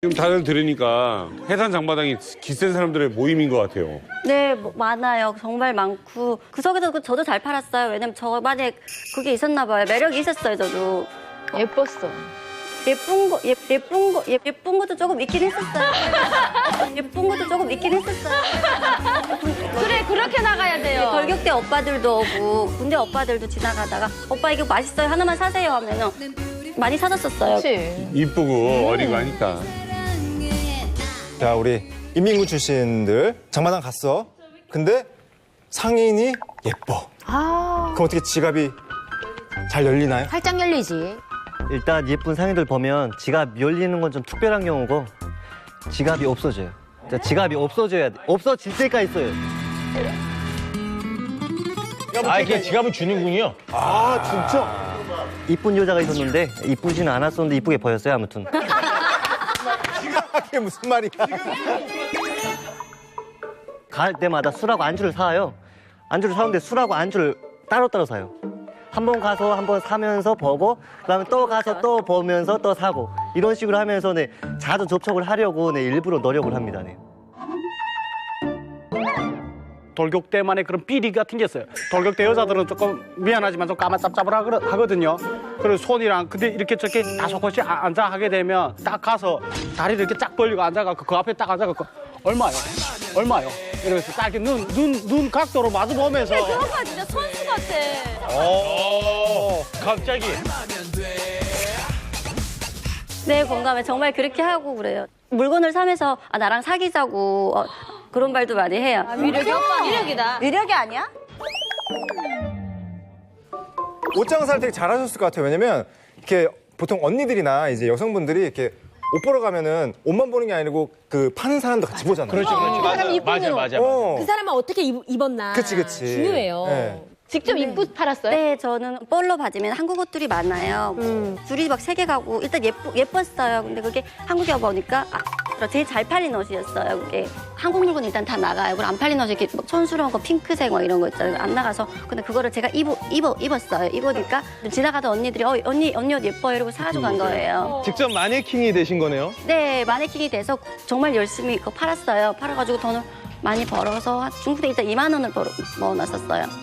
지금 다들 들으니까 해산 장마당이 기센 사람들의 모임인 것 같아요. 네, 많아요. 정말 많고. 그 속에서 저도 잘 팔았어요. 왜냐면 저만의 그게 있었나 봐요. 매력이 있었어요, 저도. 예뻤어. 예쁜 것도 조금 있긴 했었어요. 예쁜 것도 조금 있긴 했었어요. 그래, 그렇게 나가야 돼요. 돌격대 오빠들도 오고, 군대 오빠들도 지나가다가, 오빠 이거 맛있어요. 하나만 사세요 하면은 많이 사줬었어요. 그렇지. 이쁘고 어리고 하니까. 자, 우리 인민군 출신들 장마당 갔어. 근데 상인이 예뻐. 아, 그럼 어떻게 지갑이 잘 열리나요? 활짝 열리지. 일단 예쁜 상인들 보면 지갑 열리는 건 좀 특별한 경우고 지갑이 없어져요. 지갑이 없어져야 돼. 없어질 때까지 써요. 아, 그냥 지갑을 주는군요. 아, 진짜? 이쁜 여자가 있었는데 이쁘지는 않았었는데 이쁘게 보였어요. 아무튼. 그게 무슨 말이야? 갈 때마다 술하고 안주를 사요. 안주를 사는데 술하고 안주를 따로따로 사요. 한 번 가서 한 번 사면서 보고 그다음에 또 가서 또 보면서 또 사고 이런 식으로 하면서 네, 자주 접촉을 하려고 네, 일부러 노력을 합니다. 네. 돌격대만의 그런 비리 같은 게 있어요. 돌격대 여자들은 조금 미안하지만 좀 까만짭짭하거든요. 그리고 손이랑 근데 이렇게 저렇게 다소곳이 앉아 하게 되면 딱 가서 다리를 이렇게 쫙 벌리고 앉아갖고 그 앞에 딱 앉아갖고 얼마요? 이러면서 딱 이렇게 눈 각도로 마주 보면서 그런 거 진짜 선수 같아. 갑자기. 네, 공감해. 정말 그렇게 하고 그래요. 물건을 사면서 아, 나랑 사귀자고 그런 말도 많이 해요. 위력이 오빠 위력이다. 위력이 아니야? 옷장 살 되게 잘하셨을 것 같아요. 왜냐면 이렇게 보통 언니들이나 이제 여성분들이 이렇게 옷 보러 가면은 옷만 보는 게 아니고 그 파는 사람도 같이 보잖아요. 그렇지. 그 사람이 이쁜 맞아, 대로. 맞아. 어. 그 사람은 어떻게 입었나. 그치. 중요해요. 네. 직접 입고 팔았어요? 네, 저는 볼로 봐주면 한국 옷들이 많아요. 줄이 막 3개 가고 일단 예뻤어요. 근데 그게 한국에 와보니까 제일 잘 팔린 옷이었어요. 그게 한국 물건 일단 다 나가요. 그리고 안 팔린 옷이 이렇게 막 촌스러운 거 핑크색 막 이런 거 있잖아요. 안 나가서 근데 그거를 제가 입었어요. 입으니까 지나가던 언니들이 언니 옷 예뻐요 이러고 사가지고 간 거예요. 직접 마네킹이 되신 거네요? 네, 마네킹이 돼서 정말 열심히 그거 팔았어요. 팔아가지고 돈을 많이 벌어서 중국에 일단 2만 원을 모아놨었어요.